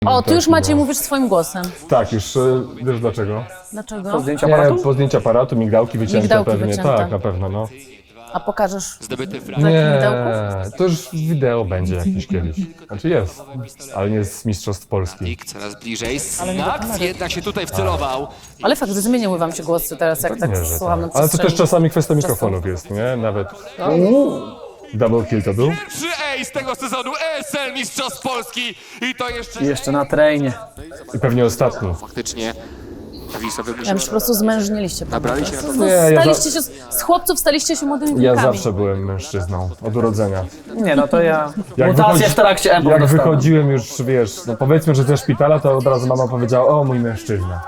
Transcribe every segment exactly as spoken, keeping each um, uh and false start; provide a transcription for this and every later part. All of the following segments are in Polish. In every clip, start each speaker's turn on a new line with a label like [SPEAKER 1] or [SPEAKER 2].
[SPEAKER 1] O, tu już
[SPEAKER 2] Taki,
[SPEAKER 1] Maciej
[SPEAKER 2] no.
[SPEAKER 1] mówisz swoim głosem.
[SPEAKER 2] Tak, już e, wiesz dlaczego?
[SPEAKER 1] Dlaczego?
[SPEAKER 3] Po zdjęciu
[SPEAKER 2] Nie,
[SPEAKER 3] aparatu?
[SPEAKER 2] po zdjęciu aparatu, migdałki wycięte
[SPEAKER 1] Migdałki
[SPEAKER 2] pewnie,
[SPEAKER 1] wycięte.
[SPEAKER 2] tak, na pewno, no.
[SPEAKER 1] A pokażesz
[SPEAKER 2] Nie,
[SPEAKER 1] migdałków?
[SPEAKER 2] to już wideo będzie jakiś kiedyś. Znaczy jest, ale nie z Mistrzostw Polski.
[SPEAKER 4] Coraz bliżej.
[SPEAKER 1] Ale nie do
[SPEAKER 4] Snaps
[SPEAKER 1] kamery.
[SPEAKER 4] jednak się tutaj wcelował.
[SPEAKER 1] Ale fakt, że zmieniły wam się głosy teraz, jak tak
[SPEAKER 2] Nie, że
[SPEAKER 1] słucham na
[SPEAKER 2] tak. Ale to
[SPEAKER 1] przestrzeni.
[SPEAKER 2] też czasami kwestia mikrofonów jest, nie? Nawet double kill to był.
[SPEAKER 4] Pierwszy ace tego sezonu E S L Mistrzostw Polski i to jeszcze...
[SPEAKER 3] I jeszcze na trainie.
[SPEAKER 2] I pewnie ostatni.
[SPEAKER 4] Faktycznie Wisowy
[SPEAKER 1] Ja
[SPEAKER 4] musiał...
[SPEAKER 1] już po prostu zmężniliście.
[SPEAKER 4] Nabrali się na to.
[SPEAKER 1] No,
[SPEAKER 2] Nie, ja
[SPEAKER 1] staliście się, z chłopców staliście się młodymi
[SPEAKER 2] Ja
[SPEAKER 1] wilkami.
[SPEAKER 2] zawsze byłem mężczyzną, od urodzenia.
[SPEAKER 3] Nie no, to ja
[SPEAKER 2] Jak
[SPEAKER 3] mutację
[SPEAKER 2] wychodzi-
[SPEAKER 3] w trakcie M
[SPEAKER 2] Jak
[SPEAKER 3] dostałem.
[SPEAKER 2] wychodziłem już, wiesz, no powiedzmy, że ze szpitala, to od razu mama powiedziała, o mój mężczyzna.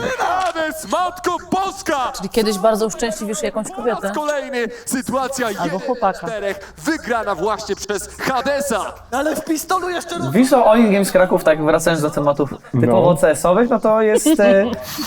[SPEAKER 4] Hades, Matko Boska!
[SPEAKER 1] Czyli kiedyś bardzo uszczęśliwisz jakąś kobietę.
[SPEAKER 4] Kolejny, sytuacja jeden
[SPEAKER 1] chłopaka.
[SPEAKER 4] czterech, wygrana właśnie przez Hadesa.
[SPEAKER 5] Ale w pistolu jeszcze raz.
[SPEAKER 3] Wisła All Games Kraków, tak wracając do tematów typowo
[SPEAKER 2] No.
[SPEAKER 3] C S-owych, no to jest e,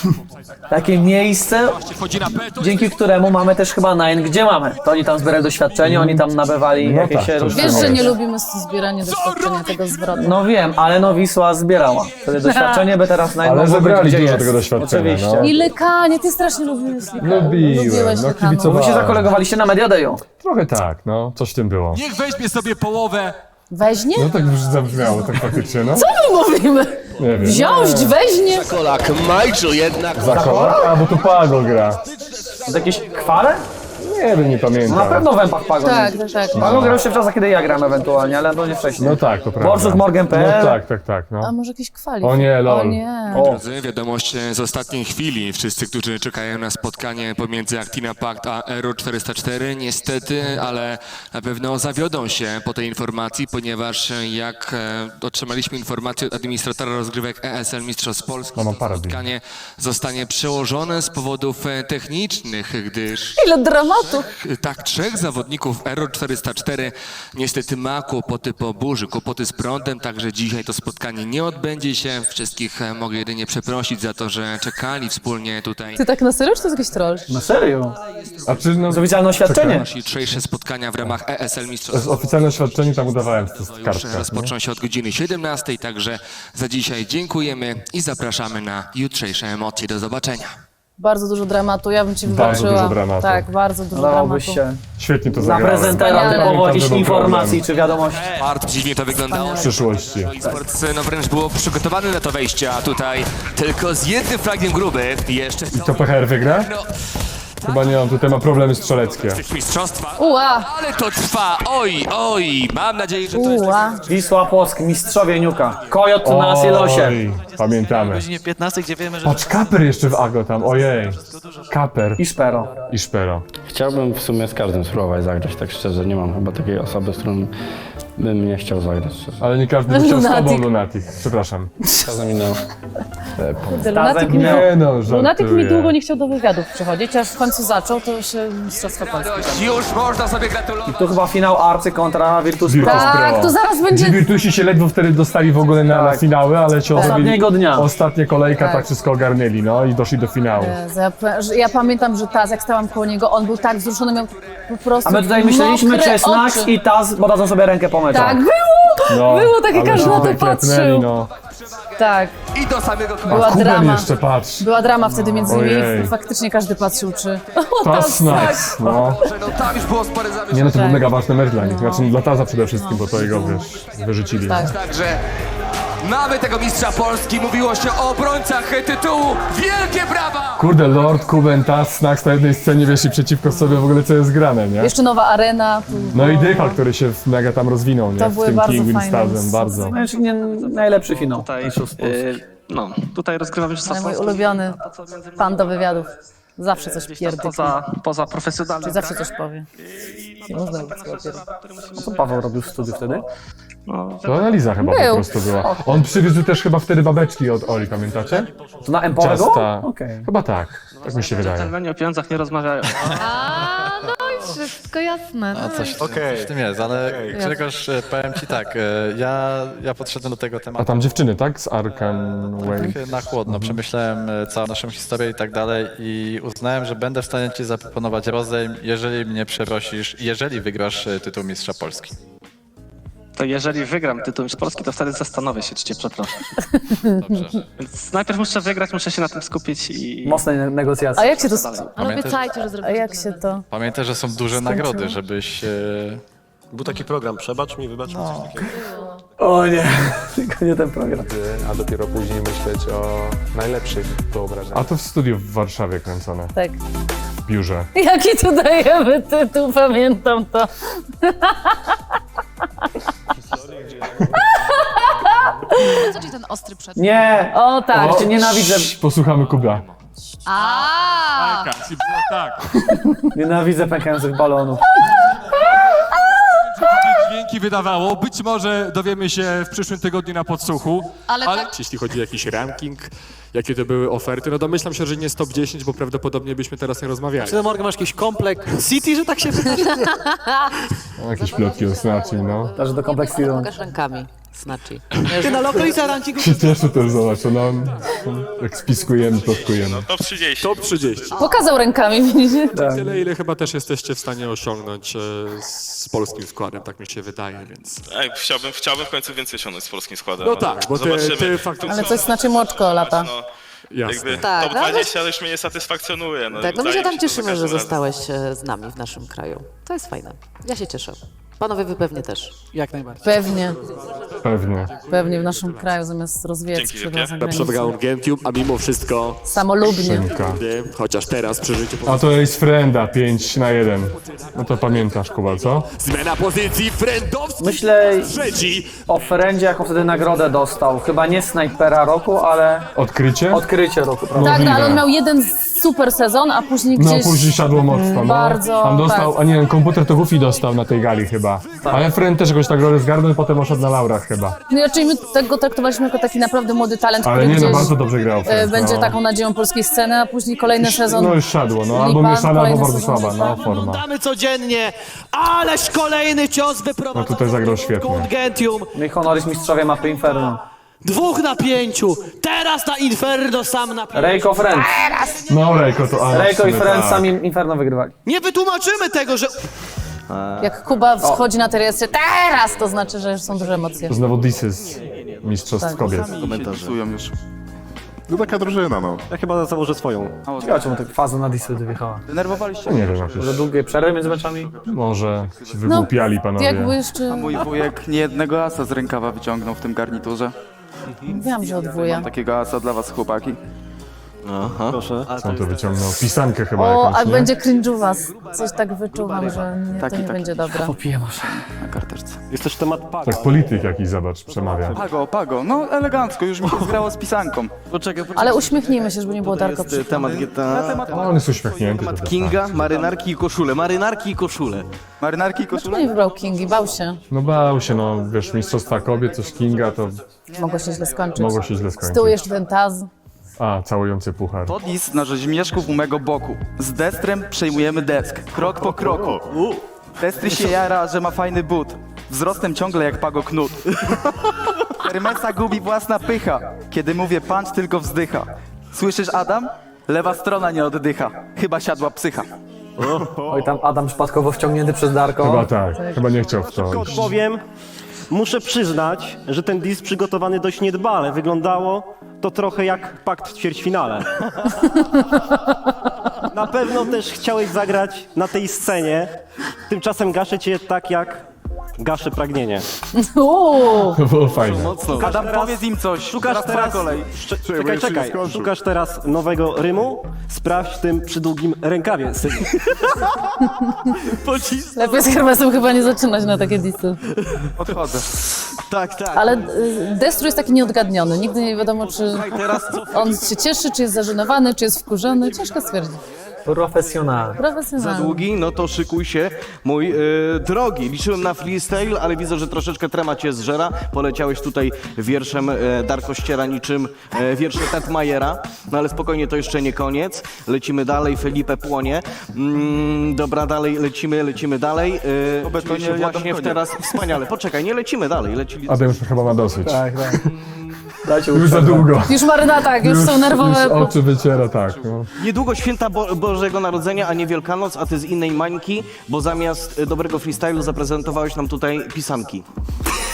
[SPEAKER 3] takie miejsce,
[SPEAKER 4] Wchodzi na peto.
[SPEAKER 3] dzięki któremu mamy też chyba Nine, gdzie mamy. To oni tam zbierali doświadczenie, oni tam nabywali
[SPEAKER 2] No
[SPEAKER 3] jakieś
[SPEAKER 2] tak, to
[SPEAKER 3] różne...
[SPEAKER 1] Wiesz, że nie
[SPEAKER 2] Wiesz.
[SPEAKER 1] lubimy zbierania doświadczenia tego zwrotu.
[SPEAKER 3] No wiem, ale no Wisła zbierała. Wtedy doświadczenie by teraz Nine
[SPEAKER 2] Ale
[SPEAKER 3] mogło być,
[SPEAKER 2] zebrali
[SPEAKER 3] gdzie
[SPEAKER 2] dużo
[SPEAKER 3] jest.
[SPEAKER 2] tego doświadczenia,
[SPEAKER 3] Oczywiście.
[SPEAKER 2] no.
[SPEAKER 1] I lykanie, ty strasznie lubiłeś lykanie.
[SPEAKER 2] Lubiłem,
[SPEAKER 1] Lubiłeś
[SPEAKER 2] no,
[SPEAKER 1] lykanu.
[SPEAKER 2] kibicowałem.
[SPEAKER 3] Wy się zakolegowaliście na Media Dayu.
[SPEAKER 2] Trochę tak, no, coś w tym było.
[SPEAKER 4] Niech weźmie sobie połowę.
[SPEAKER 1] Weźnie?
[SPEAKER 2] No tak już zabrzmiało, tak faktycznie, no.
[SPEAKER 1] Co my mówimy?
[SPEAKER 2] Nie wiem.
[SPEAKER 1] Wziąć, weźnie?
[SPEAKER 4] Kolak Michael jednak.
[SPEAKER 2] Za koła? A, bo tu Pago gra.
[SPEAKER 3] To jakieś kwale?
[SPEAKER 2] Nie wiem, nie pamiętam.
[SPEAKER 3] No na pewno w Empach Pago.
[SPEAKER 1] Tak, tak, tak.
[SPEAKER 3] Pago grał się w czasach, kiedy ja gram ewentualnie, ale no nie wcześniej.
[SPEAKER 2] No tak, to prawda.
[SPEAKER 3] Borsus Morgan kropka p l.
[SPEAKER 2] No tak, tak, tak,
[SPEAKER 1] A
[SPEAKER 2] no.
[SPEAKER 1] może jakieś kwali?
[SPEAKER 2] O nie, lol.
[SPEAKER 1] O nie.
[SPEAKER 3] O,
[SPEAKER 4] Drodzy, wiadomość z ostatniej chwili. Wszyscy, którzy czekają na spotkanie pomiędzy Actina Pact a Aero czterysta cztery, niestety, ale na pewno zawiodą się po tej informacji, ponieważ jak e, otrzymaliśmy informację od administratora rozgrywek E S L Mistrzostw Polski,
[SPEAKER 2] No, mam
[SPEAKER 4] to
[SPEAKER 2] parę
[SPEAKER 4] spotkanie zostanie przełożone z powodów e, technicznych, gdyż
[SPEAKER 1] Ile dramatu.
[SPEAKER 4] tak, trzech zawodników Aero czterysta cztery niestety ma kłopoty po burzy, kłopoty z prądem, także dzisiaj to spotkanie nie odbędzie się. Wszystkich e, mogę jedynie przeprosić za to, że czekali wspólnie tutaj.
[SPEAKER 1] Ty tak na serio, czy to jest jakiś troll?
[SPEAKER 3] na serio?
[SPEAKER 2] A czy no...
[SPEAKER 3] To oficjalne oświadczenie.
[SPEAKER 4] Jutrzejsze spotkania w ramach E S L
[SPEAKER 2] Z
[SPEAKER 4] Mistrzostw
[SPEAKER 2] oficjalne oświadczenie tam udawałem, że to jest
[SPEAKER 4] już
[SPEAKER 2] kartka. nie?
[SPEAKER 4] rozpoczną się od godziny siedemnastej, także za dzisiaj dziękujemy i zapraszamy na jutrzejsze emocje. Do zobaczenia.
[SPEAKER 1] Bardzo dużo dramatu, ja bym ci
[SPEAKER 2] Bardzo
[SPEAKER 1] wybaczyła.
[SPEAKER 2] dużo dramatu.
[SPEAKER 1] Tak, bardzo dużo
[SPEAKER 3] Dałobyś
[SPEAKER 1] dramatu.
[SPEAKER 3] się
[SPEAKER 2] Świetnie to
[SPEAKER 3] na
[SPEAKER 2] zagrałem.
[SPEAKER 3] prezentera
[SPEAKER 1] Wspaniale.
[SPEAKER 3] typowo
[SPEAKER 2] Pamiętam,
[SPEAKER 3] jakichś
[SPEAKER 2] że był
[SPEAKER 3] informacji
[SPEAKER 2] problem
[SPEAKER 3] czy wiadomości.
[SPEAKER 4] Bardzo dziwnie to wyglądało.
[SPEAKER 2] w przyszłości.
[SPEAKER 4] Esports no wręcz było przygotowany na to wejście, a tutaj tylko z jednym fragiem gruby jeszcze
[SPEAKER 2] To P H R wygra?
[SPEAKER 4] no,
[SPEAKER 2] Chyba nie, on tutaj ma problemy strzeleckie.
[SPEAKER 4] mistrzostwa.
[SPEAKER 1] Uła,
[SPEAKER 4] Ale to trwa, oj, oj, mam nadzieję, że to jest...
[SPEAKER 1] uła.
[SPEAKER 3] Wisła Płock, mistrzowie Niuka. Kojot na Silosie.
[SPEAKER 2] Oj, pamiętamy.
[SPEAKER 5] godzinie piętnastej, gdzie wiemy, że...
[SPEAKER 2] Patrz, Kaper jeszcze w Ago tam, ojej. Kaper
[SPEAKER 3] I Szpero.
[SPEAKER 2] i Szpero.
[SPEAKER 6] Chciałbym w sumie z każdym spróbować zagrać, tak szczerze. Nie mam chyba takiej osoby, z którą bym nie chciał zagrać. Szczerze.
[SPEAKER 2] Ale nie każdy by chciał z tobą,
[SPEAKER 1] Lunatic.
[SPEAKER 2] Lunatic. Przepraszam.
[SPEAKER 6] Czasem minęło.
[SPEAKER 1] Lunatic mi,
[SPEAKER 2] Nie no, żartuję.
[SPEAKER 1] Lunatic mi długo nie chciał do wywiadów przychodzić, aż w końcu zaczął, to się Mistrzostwa Polski.
[SPEAKER 4] Już można sobie gratulować.
[SPEAKER 3] Tu chyba finał Arcy kontra Virtus Pro.
[SPEAKER 2] Virtus
[SPEAKER 1] Tak,
[SPEAKER 2] Pro.
[SPEAKER 1] to zaraz
[SPEAKER 2] Ci
[SPEAKER 1] będzie...
[SPEAKER 2] Virtusi się ledwo wtedy dostali w ogóle na, na
[SPEAKER 3] Tak.
[SPEAKER 2] finały, ale ci
[SPEAKER 3] Ostatniego dnia.
[SPEAKER 2] Ostatnia kolejka, tak.
[SPEAKER 1] Tak.
[SPEAKER 2] wszystko ogarnęli, no i doszli do finału.
[SPEAKER 1] Jezu, Ja, pa- że- ja pamiętam, że Taz, jak stałam koło niego, on był tak wzruszony, miał po prostu
[SPEAKER 3] A my tutaj myśleliśmy,
[SPEAKER 1] mokre
[SPEAKER 3] czy Snax
[SPEAKER 1] oczy.
[SPEAKER 3] i Taz podadzą sobie rękę po meczu.
[SPEAKER 1] Tak, było!
[SPEAKER 2] No,
[SPEAKER 1] Było takie,
[SPEAKER 2] ale
[SPEAKER 1] każdy
[SPEAKER 2] się
[SPEAKER 1] na to
[SPEAKER 2] tutaj klepnęli,
[SPEAKER 1] patrzył.
[SPEAKER 2] No.
[SPEAKER 1] Tak,
[SPEAKER 4] I do samego końca.
[SPEAKER 1] była
[SPEAKER 2] Kuben
[SPEAKER 1] drama.
[SPEAKER 2] jeszcze, patrz.
[SPEAKER 1] Była drama wtedy między nimi
[SPEAKER 2] Ojej.
[SPEAKER 1] i faktycznie każdy patrzył, czy... O,
[SPEAKER 2] Pas
[SPEAKER 1] Taz,
[SPEAKER 2] Snax, no.
[SPEAKER 4] No tam już było spore zamieszanie.
[SPEAKER 2] Nie no, to był
[SPEAKER 1] Tak.
[SPEAKER 2] mega ważny mecz dla nich. Znaczy dla Taza przede wszystkim, bo to jego, wiesz, wyrzucili.
[SPEAKER 1] Tak.
[SPEAKER 4] Także mamy tego mistrza Polski. Mówiło się o obrońcach tytułu. Wielkie brawa!
[SPEAKER 2] Kurde, Lord, Kuben, Taz, Snax na jednej scenie, wiesz, i przeciwko sobie w ogóle co jest grane, nie?
[SPEAKER 1] Jeszcze nowa arena. Tu,
[SPEAKER 2] No i Dycha, który się mega tam rozwinął, nie?
[SPEAKER 1] To
[SPEAKER 2] W
[SPEAKER 1] były
[SPEAKER 2] tym
[SPEAKER 1] bardzo
[SPEAKER 2] King
[SPEAKER 1] fajne
[SPEAKER 2] Winstazem,
[SPEAKER 1] sceny.
[SPEAKER 2] bardzo.
[SPEAKER 3] Znaczy, nie, najlepszy finał.
[SPEAKER 5] Tutaj, y, no, tutaj rozgrywamy
[SPEAKER 1] Ale
[SPEAKER 5] Mistrzostwa
[SPEAKER 1] mój
[SPEAKER 5] Polski.
[SPEAKER 1] ulubiony
[SPEAKER 5] To, co między innymi
[SPEAKER 1] pan do wywiadów. Zawsze coś
[SPEAKER 5] gdzieś tam
[SPEAKER 1] pierdyknie.
[SPEAKER 5] poza, poza profesjonalnym
[SPEAKER 1] Czyli zawsze
[SPEAKER 5] granem.
[SPEAKER 1] coś powie. Nie można mówić słowa pierdyknie.
[SPEAKER 3] Co Paweł robił w studiu wtedy?
[SPEAKER 5] No,
[SPEAKER 2] To analiza chyba po
[SPEAKER 1] Był.
[SPEAKER 2] prostu była. On przywiózł też chyba wtedy babeczki od Oli, pamiętacie?
[SPEAKER 3] To na Empowego?
[SPEAKER 2] Ciasta.
[SPEAKER 3] Okej.
[SPEAKER 2] Chyba tak, tak mi się wydaje.
[SPEAKER 5] dżentelmeni o pieniądzach nie rozmawiają.
[SPEAKER 7] A, no i wszystko jasne. No.
[SPEAKER 8] A coś, coś w tym jest, ale Grzegorz, e, powiem ci tak, e, ja, ja podszedłem do tego
[SPEAKER 2] A
[SPEAKER 8] tematu
[SPEAKER 2] tam dziewczyny, tak? Z Arkan Way.
[SPEAKER 8] tak na chłodno, przemyślałem e, całą naszą historię i tak dalej i uznałem, że będę w stanie ci zaproponować rozejm, jeżeli mnie przeprosisz, jeżeli wygrasz e, tytuł Mistrza Polski.
[SPEAKER 5] To jeżeli wygram tytuł Mistrz Polski, to wtedy zastanowię się, czy cię przeproszę. Więc najpierw muszę wygrać, muszę się na tym skupić i...
[SPEAKER 3] Mocne ne- negocjacje.
[SPEAKER 1] A jak się to...
[SPEAKER 5] dalej.
[SPEAKER 7] Ale
[SPEAKER 8] Pamiętaj,
[SPEAKER 7] obiecajcie, że
[SPEAKER 1] A
[SPEAKER 7] zrobicie
[SPEAKER 1] jak
[SPEAKER 7] to.
[SPEAKER 1] się to...
[SPEAKER 8] Pamiętaj, że są duże nagrody, żebyś... E...
[SPEAKER 9] Był taki program, przebacz mi, wybacz mi coś takiego.
[SPEAKER 3] O nie, tylko nie ten program.
[SPEAKER 2] A dopiero później myśleć o najlepszych wyobrażeniach. A to w studiu w Warszawie kręcone,
[SPEAKER 1] Tak.
[SPEAKER 2] w biurze.
[SPEAKER 1] Jaki tu dajemy tytuł, pamiętam to.
[SPEAKER 7] Co ci ten ostry przed?
[SPEAKER 3] Nie!
[SPEAKER 1] O tak.
[SPEAKER 3] O, cię nienawidzę,
[SPEAKER 2] Posłuchamy Kuba.
[SPEAKER 7] A,
[SPEAKER 3] nienawidzę pękających balonów.
[SPEAKER 10] Dźwięki wydawało. Być może dowiemy się w przyszłym tygodniu na podsłuchu.
[SPEAKER 7] ale,
[SPEAKER 10] Ale
[SPEAKER 7] tak,
[SPEAKER 10] jeśli chodzi o jakiś ranking, jakie to były oferty, no domyślam się, że nie jest top dziesięć, bo prawdopodobnie byśmy teraz nie rozmawiali.
[SPEAKER 9] Ty, Morgan, masz jakiś kompleks City, że tak się wydarzy?
[SPEAKER 2] O, jakieś plotki o Snaci, no.
[SPEAKER 3] Też do kompleksu idą.
[SPEAKER 11] Pokaż rękami, znaczy.
[SPEAKER 9] Ty na lokaliza rankingu.
[SPEAKER 2] Się cieszę też, zobacz, no. Jak spiskujemy, plotkujemy.
[SPEAKER 10] Top trzydzieści. Top trzydzieści.
[SPEAKER 1] Pokazał rękami, widzicie?
[SPEAKER 10] Tyle, ile chyba też jesteście w stanie osiągnąć e, z polskim składem, tak mi się wydaje, więc...
[SPEAKER 12] Ej, chciałbym, chciałbym w końcu więcej osiągnąć z polskim składem.
[SPEAKER 10] No
[SPEAKER 12] ale
[SPEAKER 10] tak, bo ty,
[SPEAKER 12] zobaczymy.
[SPEAKER 10] ty faktycznie...
[SPEAKER 1] Ale coś znaczy moczko lata.
[SPEAKER 12] No,
[SPEAKER 10] Jasne.
[SPEAKER 12] jakby
[SPEAKER 11] Tak,
[SPEAKER 12] top
[SPEAKER 11] ale-
[SPEAKER 12] dwadzieścia już mnie nie satysfakcjonuje. No,
[SPEAKER 11] Tak, no my
[SPEAKER 12] wydaje
[SPEAKER 11] się
[SPEAKER 12] mi
[SPEAKER 11] tam
[SPEAKER 12] że to za
[SPEAKER 11] cieszymy, że
[SPEAKER 12] każdym razem.
[SPEAKER 11] zostałeś e, z nami w naszym kraju. To jest fajne. Ja się cieszę. Panowie, wy pewnie też.
[SPEAKER 9] Jak najbardziej.
[SPEAKER 1] Pewnie,
[SPEAKER 2] Pewnie.
[SPEAKER 1] pewnie w naszym kraju zamiast rozwijać
[SPEAKER 12] Dzięki
[SPEAKER 1] skrzydła
[SPEAKER 12] wielkie.
[SPEAKER 1] za
[SPEAKER 10] Na
[SPEAKER 1] granicą.
[SPEAKER 10] przegrałem GameCube, a mimo wszystko,
[SPEAKER 1] Samolubnie.
[SPEAKER 2] Szynka.
[SPEAKER 10] nie, chociaż teraz przy życiu...
[SPEAKER 2] A to jest Frenda, pięć na jeden. No to pamiętasz, Kuba, co?
[SPEAKER 10] Zmiana pozycji, Frendowski
[SPEAKER 3] Myślę
[SPEAKER 10] trzeci.
[SPEAKER 3] o Frendzie, jaką wtedy nagrodę dostał. Chyba nie snajpera roku, ale
[SPEAKER 2] Odkrycie?
[SPEAKER 3] odkrycie roku, prawda?
[SPEAKER 1] Tak, no, ale on
[SPEAKER 2] Możliwe.
[SPEAKER 1] miał jeden super sezon, a później
[SPEAKER 2] No
[SPEAKER 1] gdzieś...
[SPEAKER 2] później siadło mocno, no.
[SPEAKER 1] Bardzo,
[SPEAKER 2] Tam dostał,
[SPEAKER 1] tak.
[SPEAKER 2] a nie, komputer to Goofy dostał na tej gali chyba. Ale Friend też jakoś tak rolę zgarnął i potem oszedł na laurach chyba.
[SPEAKER 1] No i raczej my tego traktowaliśmy jako taki naprawdę młody talent,
[SPEAKER 2] Ale
[SPEAKER 1] który
[SPEAKER 2] nie, no
[SPEAKER 1] gdzieś
[SPEAKER 2] bardzo dobrze grał
[SPEAKER 1] e,
[SPEAKER 2] Friend,
[SPEAKER 1] będzie
[SPEAKER 2] no.
[SPEAKER 1] taką nadzieją polskiej sceny, a później kolejny sezon...
[SPEAKER 2] No już siadło, no. Albo
[SPEAKER 1] Lipa,
[SPEAKER 2] mieszana, albo
[SPEAKER 1] kolejny
[SPEAKER 2] bardzo
[SPEAKER 1] sezon.
[SPEAKER 2] słaba, no forma.
[SPEAKER 9] Oglądamy codziennie, ależ kolejny cios wyprowadzony.
[SPEAKER 2] No tutaj zagrał świetnie.
[SPEAKER 9] Gentium.
[SPEAKER 3] No i honoris mistrzowie mapy Inferno.
[SPEAKER 9] Dwóch na pięciu, teraz na Inferno sam na pięciu.
[SPEAKER 3] Rejko Friend.
[SPEAKER 2] No Rejko to... A,
[SPEAKER 3] Rejko i
[SPEAKER 2] w sumie
[SPEAKER 3] Friend
[SPEAKER 2] tak.
[SPEAKER 3] sami Inferno wygrywali.
[SPEAKER 9] Nie wytłumaczymy tego, że...
[SPEAKER 1] Jak Kuba wchodzi na terrasę teraz, to znaczy, że już są duże emocje.
[SPEAKER 2] Znowu disy z mistrzostw
[SPEAKER 1] Tak.
[SPEAKER 2] kobiet.
[SPEAKER 12] No taka drużyna, no.
[SPEAKER 9] Ja chyba założę swoją.
[SPEAKER 3] Ciekawe, czemu tak faza na Disy wyjechała.
[SPEAKER 2] No nie wiem, jakieś...
[SPEAKER 3] Za długie przerwy między meczami?
[SPEAKER 2] Może się wygłupiali panowie.
[SPEAKER 1] Jakby jeszcze...
[SPEAKER 12] Mój wujek nie jednego asa z rękawa wyciągnął w tym garniturze.
[SPEAKER 1] Wiem, że odwuja.
[SPEAKER 12] Takiego asa dla was, chłopaki.
[SPEAKER 9] Proszę.
[SPEAKER 2] Co on to wyciągnął? Pisankę chyba
[SPEAKER 1] O,
[SPEAKER 2] jakąś,
[SPEAKER 1] a
[SPEAKER 2] nie?
[SPEAKER 1] będzie cringe'uwa. Coś tak wyczuwam, że nie, to
[SPEAKER 12] Taki,
[SPEAKER 1] nie
[SPEAKER 12] taki.
[SPEAKER 1] będzie dobre.
[SPEAKER 3] Popiję może.
[SPEAKER 12] Na karteczce.
[SPEAKER 9] Jest też temat paga.
[SPEAKER 2] Tak polityk jakiś, zobacz, przemawia.
[SPEAKER 12] Pago, pago, no elegancko, już mi się zgrało z pisanką.
[SPEAKER 9] Poczekaj, poczekaj.
[SPEAKER 1] Ale uśmiechnijmy się, żeby nie było Darko przy...
[SPEAKER 12] Temat G T A.
[SPEAKER 2] No, on jest uśmiechnięty. to
[SPEAKER 12] Kinga, marynarki i koszule, marynarki i koszule. Marynarki i
[SPEAKER 1] Dlaczego nie wybrał Kingi? Bał się.
[SPEAKER 2] No bał się, no wiesz, mistrzostwa kobiet, coś Kinga, to
[SPEAKER 1] Mogło się źle skończyć.
[SPEAKER 2] mogło się źle
[SPEAKER 1] Z
[SPEAKER 2] skończyć.
[SPEAKER 1] tyłu jeszcze ten taz.
[SPEAKER 2] A, całujący puchar.
[SPEAKER 12] To list na rzeźmieszków u mego boku. Z Destrem przejmujemy desk, krok po kroku. Destry się jara, że ma fajny but. Wzrostem ciągle jak Pago Knut. Hermesa gubi własna pycha. Kiedy mówię punch, tylko wzdycha. Słyszysz, Adam? Lewa strona nie oddycha. Chyba siadła psycha.
[SPEAKER 3] Oj, tam Adam przypadkowo wciągnięty przez Darko.
[SPEAKER 2] Chyba tak, chyba nie chciał w to
[SPEAKER 9] Szybko
[SPEAKER 2] iść.
[SPEAKER 9] odpowiem. Muszę przyznać, że ten diss przygotowany dość niedbale. Wyglądało to trochę jak pakt w ćwierćfinale. Na pewno też chciałeś zagrać na tej scenie. Tymczasem gaszę cię tak jak gaszę pragnienie.
[SPEAKER 1] Uuu,
[SPEAKER 2] To było fajne.
[SPEAKER 12] Adam,
[SPEAKER 9] teraz-
[SPEAKER 12] powiedz im coś.
[SPEAKER 9] Szukasz
[SPEAKER 12] Teraz twoja
[SPEAKER 9] teraz...
[SPEAKER 12] kolej.
[SPEAKER 9] Szcze- Czekaj, czekaj. Szukasz teraz nowego rymu? Sprawdź w tym przydługim rękawie, synu.
[SPEAKER 1] lepiej z Hermesem chyba nie zaczynać na takie disy.
[SPEAKER 12] Odchodzę.
[SPEAKER 9] Tak, tak.
[SPEAKER 1] Ale y, Destru jest taki nieodgadniony. Nigdy nie wiadomo, czy on się cieszy, czy jest zażenowany, czy jest wkurzony. Ciężko stwierdzić.
[SPEAKER 3] Profesjonalny.
[SPEAKER 1] Profesjonalny.
[SPEAKER 12] Długi, no to szykuj się, mój yy, drogi. Liczyłem na freestyle, ale widzę, że troszeczkę trema cię zżera. Poleciałeś tutaj wierszem yy, Darko Ściera niczym yy, wiersze Tetmajera. No ale spokojnie, to jeszcze nie koniec. Lecimy dalej, Felipe płonie. Mm, dobra, dalej lecimy, lecimy dalej. Yy, czuję się właśnie w teraz wspaniale. Poczekaj, nie lecimy dalej. Lecili...
[SPEAKER 2] Adam już chyba ma dosyć.
[SPEAKER 3] Tak, tak. Dajcie
[SPEAKER 2] Już za
[SPEAKER 3] uprzedzać.
[SPEAKER 2] długo.
[SPEAKER 1] Już maryna tak, już są nerwowe.
[SPEAKER 2] Już oczy wyciera, tak. No.
[SPEAKER 12] Niedługo święta Bo Bożego Narodzenia, a nie Wielkanoc, a ty z innej mańki, bo zamiast y, dobrego freestylu zaprezentowałeś nam tutaj pisanki.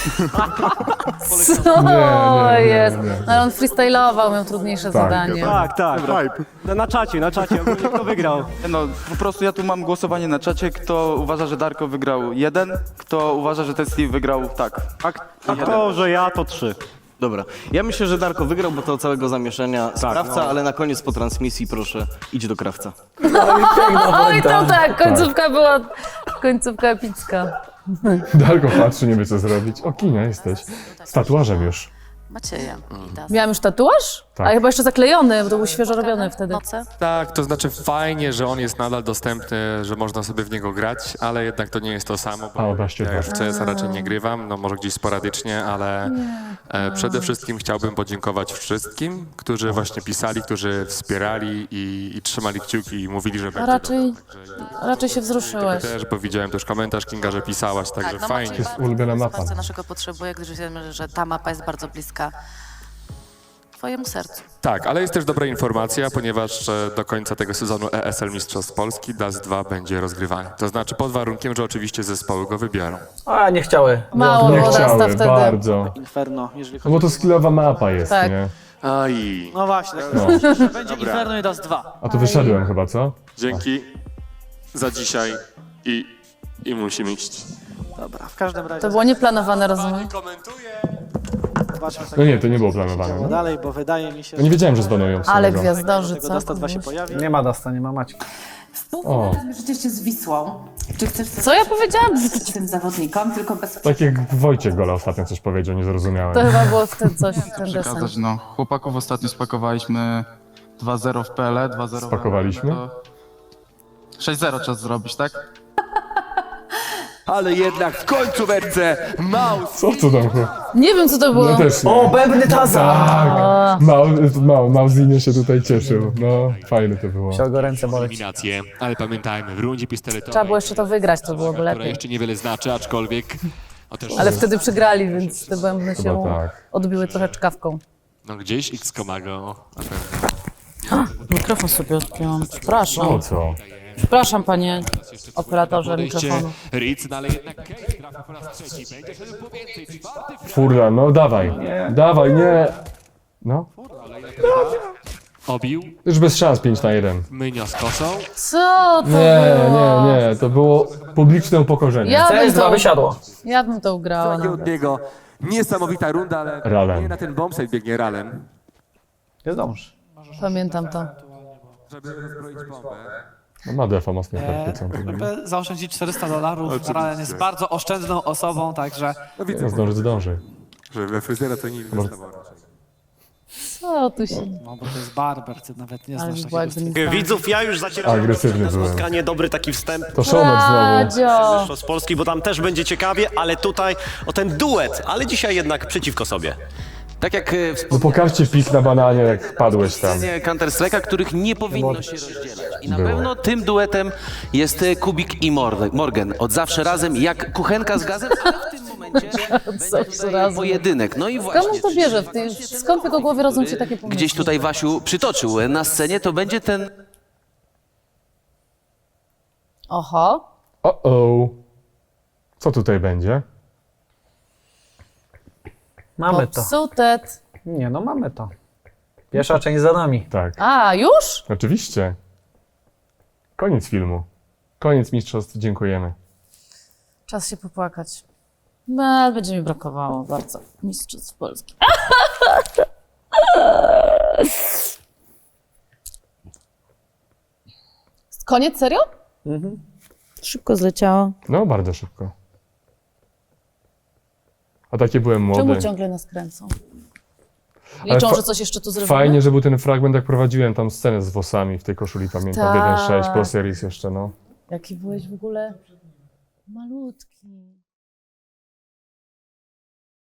[SPEAKER 1] Co
[SPEAKER 2] Nie, nie, nie,
[SPEAKER 1] jest?
[SPEAKER 2] nie.
[SPEAKER 1] No, ale on freestylował, miał trudniejsze
[SPEAKER 2] Tak.
[SPEAKER 1] zadanie.
[SPEAKER 9] Tak, tak. Na, na czacie, na czacie, ogólnie kto wygrał.
[SPEAKER 13] No, po prostu ja tu mam głosowanie na czacie, kto uważa, że Darko wygrał jeden, kto uważa, że Tesli wygrał tak. Tak?
[SPEAKER 9] A to, że ja, to trzy.
[SPEAKER 12] Dobra, ja myślę, że Darko wygrał, bo to całego zamieszania sprawca,
[SPEAKER 9] no.
[SPEAKER 12] ale na koniec po transmisji proszę, idź do krawca.
[SPEAKER 1] Oj, to tak, końcówka była, końcówka epicka.
[SPEAKER 2] Darko patrzy, nie wie co zrobić. O, Kinia jesteś. Z tatuażem już.
[SPEAKER 11] Macieja.
[SPEAKER 1] Miałam już tatuaż?
[SPEAKER 2] Tak.
[SPEAKER 1] A chyba jeszcze zaklejony, bo to był świeżo robiony wtedy.
[SPEAKER 11] Noce?
[SPEAKER 10] Tak, to znaczy fajnie, że on jest nadal dostępny, że można sobie w niego grać, ale jednak to nie jest to samo, bo
[SPEAKER 2] A, obraźcie
[SPEAKER 10] ja
[SPEAKER 2] to.
[SPEAKER 10] już w C S a raczej nie grywam, no może gdzieś sporadycznie, ale e, przede wszystkim chciałbym podziękować wszystkim, którzy właśnie pisali, którzy wspierali i, i trzymali kciuki i mówili, że
[SPEAKER 1] A
[SPEAKER 10] będzie
[SPEAKER 1] raczej,
[SPEAKER 10] dobrze.
[SPEAKER 1] raczej się wzruszyłeś.
[SPEAKER 10] Też, bo widziałem też komentarz Kinga, że pisałaś, także
[SPEAKER 11] no
[SPEAKER 10] fajnie.
[SPEAKER 11] Maciej
[SPEAKER 2] jest ulubiona mapa.
[SPEAKER 11] Bardzo naszego potrzebuje, gdyż wiemy, że ta mapa jest bardzo bliska twojemu sercu.
[SPEAKER 10] Tak, ale jest też dobra informacja, ponieważ e, do końca tego sezonu E S L Mistrzostw Polski Dust dwa będzie rozgrywany. To znaczy pod warunkiem, że oczywiście zespoły go wybiorą.
[SPEAKER 3] A, nie chciały.
[SPEAKER 1] Mało
[SPEAKER 2] Nie
[SPEAKER 1] było Dasta
[SPEAKER 2] chciały,
[SPEAKER 1] wtedy.
[SPEAKER 2] bardzo.
[SPEAKER 3] Inferno, jeżeli
[SPEAKER 2] No bo to skillowa mapa jest,
[SPEAKER 1] Tak.
[SPEAKER 2] nie?
[SPEAKER 10] Aj.
[SPEAKER 3] No właśnie,
[SPEAKER 2] No.
[SPEAKER 3] będzie Inferno i Dust dwa.
[SPEAKER 2] A tu wyszedłem chyba, co?
[SPEAKER 10] Dzięki za dzisiaj i, i musimy iść.
[SPEAKER 3] Dobra, w każdym razie
[SPEAKER 1] To było nieplanowane, rozumiem.
[SPEAKER 3] zobaczmy sobie
[SPEAKER 2] No nie, to nie było planowane. No.
[SPEAKER 3] dalej, bo wydaje mi się,
[SPEAKER 2] Ja nie wiedziałem, że zbanują
[SPEAKER 1] Ale
[SPEAKER 2] samego.
[SPEAKER 1] gwiazdorzy,
[SPEAKER 3] tego
[SPEAKER 1] co?
[SPEAKER 3] Dusta dwa się pojawi.
[SPEAKER 6] Nie ma Dasta, nie ma Maćka.
[SPEAKER 2] O,
[SPEAKER 7] Przecież z Wisłą. Czy chcesz coś
[SPEAKER 1] Co ja powiedziałam?
[SPEAKER 7] z tym zawodnikom, tylko bez...
[SPEAKER 2] tak jak Wojciech Gola ostatnio coś powiedział, nie zrozumiałem.
[SPEAKER 1] To chyba było wtedy coś, ten desen.
[SPEAKER 13] Przekazać, no. Chłopaków ostatnio spakowaliśmy dwa zero w P L E, dwa zero
[SPEAKER 2] Spakowaliśmy?
[SPEAKER 13] sześć zero czas zrobić, tak?
[SPEAKER 4] Ale jednak w końcu werce Maus.
[SPEAKER 2] Co to tam było?
[SPEAKER 1] Nie wiem, co to było.
[SPEAKER 2] No też nie.
[SPEAKER 3] O, bębny Taza!
[SPEAKER 2] Tak! Mał, Mał, Małzinie się tutaj cieszył. No, fajne to było.
[SPEAKER 3] Chciał go ręce boleć.
[SPEAKER 4] Eliminacje, ale pamiętajmy, w rundzie pistoletowej,
[SPEAKER 1] Trzeba było jeszcze to wygrać, to byłoby
[SPEAKER 4] która
[SPEAKER 1] lepiej.
[SPEAKER 4] jeszcze niewiele znaczy, aczkolwiek o też,
[SPEAKER 1] Ale wtedy przegrali, więc te bębny się
[SPEAKER 2] Chyba tak.
[SPEAKER 1] odbiły trochę czkawką.
[SPEAKER 4] no gdzieś X ma go na pewno.
[SPEAKER 1] Mikrofon sobie odpiąłem. Przepraszam.
[SPEAKER 2] O co?
[SPEAKER 1] Przepraszam, panie operatorze mikrofonu.
[SPEAKER 4] Ritz, no ale jednak Case trafia po raz trzeci, będzie szedł po więcej, czwarty
[SPEAKER 2] Furla, no dawaj. Dawaj, nie. No,
[SPEAKER 4] obił,
[SPEAKER 2] już bez szans pięć na jeden.
[SPEAKER 4] Mynio z kosą.
[SPEAKER 1] Co to
[SPEAKER 2] Nie,
[SPEAKER 1] było?
[SPEAKER 2] nie, nie, to było publiczne upokorzenie.
[SPEAKER 1] Ja bym
[SPEAKER 3] C S dwa
[SPEAKER 1] to,
[SPEAKER 3] wysiadło.
[SPEAKER 1] ja bym to ugrała. No.
[SPEAKER 4] od niego niesamowita runda, ale
[SPEAKER 2] Ralem.
[SPEAKER 4] nie na ten bombsite biegnie ralem,
[SPEAKER 3] Nie zdążysz.
[SPEAKER 1] Pamiętam to.
[SPEAKER 4] żeby rozbroić bombę.
[SPEAKER 2] No ma defa mocno praktyką.
[SPEAKER 3] Żeby zaoszczędzić czterysta dolarów, Ralen jest bardzo oszczędną osobą, także
[SPEAKER 4] No widzę,
[SPEAKER 2] No zdąży, zdąży.
[SPEAKER 4] że we fryzjera to nie dostawał raczej.
[SPEAKER 1] Co tu się...
[SPEAKER 3] no bo to jest barber, ty nawet nie
[SPEAKER 1] Ale
[SPEAKER 3] znasz
[SPEAKER 1] by była
[SPEAKER 3] takiego
[SPEAKER 1] jakby nie
[SPEAKER 9] Widzów, ja już zacieram
[SPEAKER 2] Agresywny
[SPEAKER 9] na
[SPEAKER 2] byłem.
[SPEAKER 9] spotkanie, dobry taki wstęp.
[SPEAKER 2] To Szomek znowu.
[SPEAKER 1] Radzio!
[SPEAKER 9] Mistrzostw Polski, bo tam też będzie ciekawie, ale tutaj o ten duet, ale dzisiaj jednak przeciwko sobie.
[SPEAKER 12] Tak jak e,
[SPEAKER 2] No
[SPEAKER 12] wspomniałem,
[SPEAKER 2] pokażcie pik na bananie, jak padłeś tam.
[SPEAKER 12] Counter-Strike'a, których nie powinno się rozdzielać. I na
[SPEAKER 2] Było.
[SPEAKER 12] pewno tym duetem jest e, Kubik i Mor- Morgan. Od zawsze razem, jak kuchenka z gazem, ale w tym momencie będzie
[SPEAKER 1] zawsze
[SPEAKER 12] tutaj
[SPEAKER 1] razem.
[SPEAKER 12] pojedynek. No i właśnie,
[SPEAKER 1] Skąd on to bierze? W tej, skąd w jego głowie rodzą się takie pomysły?
[SPEAKER 12] gdzieś tutaj Wasiu przytoczył na scenie, to będzie ten
[SPEAKER 1] Oho.
[SPEAKER 2] O-o. Co tutaj będzie?
[SPEAKER 3] Mamy to.
[SPEAKER 1] Popsutet.
[SPEAKER 3] Nie, no mamy to. Pierwsza część za nami.
[SPEAKER 2] Tak,
[SPEAKER 1] A, już?
[SPEAKER 2] oczywiście. Koniec filmu. Koniec mistrzostw, dziękujemy.
[SPEAKER 1] Czas się popłakać. No, będzie mi brakowało bardzo. Mistrzostw Polski. Koniec, serio? Mhm. Szybko zleciało.
[SPEAKER 2] No, bardzo szybko. A takie byłem młody.
[SPEAKER 1] Czemu ciągle nas kręcą? Liczą,
[SPEAKER 2] fa-
[SPEAKER 1] że coś jeszcze tu zrobimy?
[SPEAKER 2] Fajnie, że był ten fragment, jak prowadziłem tam scenę z włosami w tej koszuli, pamiętam,
[SPEAKER 1] Tak.
[SPEAKER 2] jeden sześć Pro Series jeszcze, no.
[SPEAKER 1] Jaki byłeś w ogóle malutki.